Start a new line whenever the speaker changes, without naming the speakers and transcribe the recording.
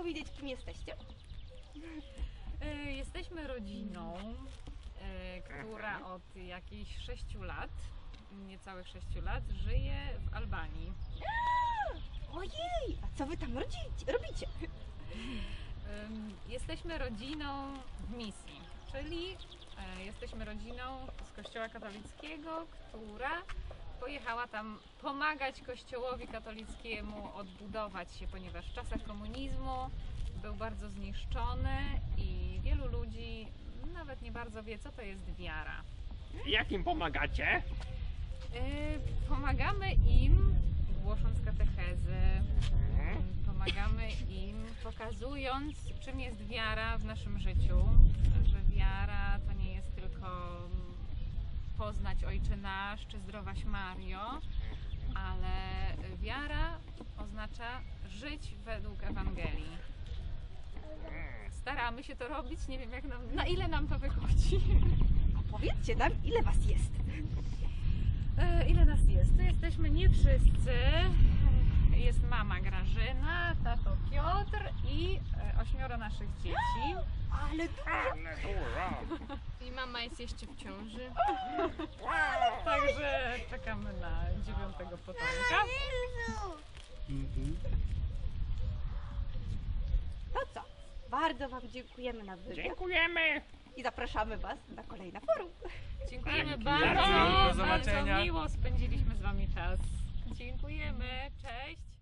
powiedzieć, kim jesteście?
Jesteśmy rodziną, która od jakichś 6 lat, niecałych 6 lat, żyje w Albanii.
Ojej, a co wy tam robicie?
Jesteśmy rodziną w misji, czyli jesteśmy rodziną z Kościoła katolickiego, która pojechała tam pomagać Kościołowi katolickiemu odbudować się, ponieważ w czasach komunizmu był bardzo zniszczony i wielu ludzi nawet nie bardzo wie, co to jest wiara.
Jak im pomagacie?
Pomagamy im głosząc katechezy, pomagamy im pokazując, czym jest wiara w naszym życiu, że wiara to nie jest tylko poznać Ojcze Nasz czy Zdrowaś Mario, ale wiara oznacza żyć według Ewangelii. Staramy się to robić, nie wiem na ile nam to wychodzi.
A powiedzcie nam, ile was jest?
Ile nas jest? Tu jesteśmy nie wszyscy. Jest mama Grażyna, tato Piotr i 8 naszych dzieci.
Ale
dużo.
I mama jest jeszcze w ciąży.
Także czekamy na 9. potomka.
no co? Bardzo wam dziękujemy na wywiad
Dziękujemy.
i zapraszamy was na kolejne forum.
Dziękujemy
Dzięki.
bardzo.
Do
Bardzo
zobaczenia.
miło spędziliśmy z wami czas. Dziękujemy. Cześć.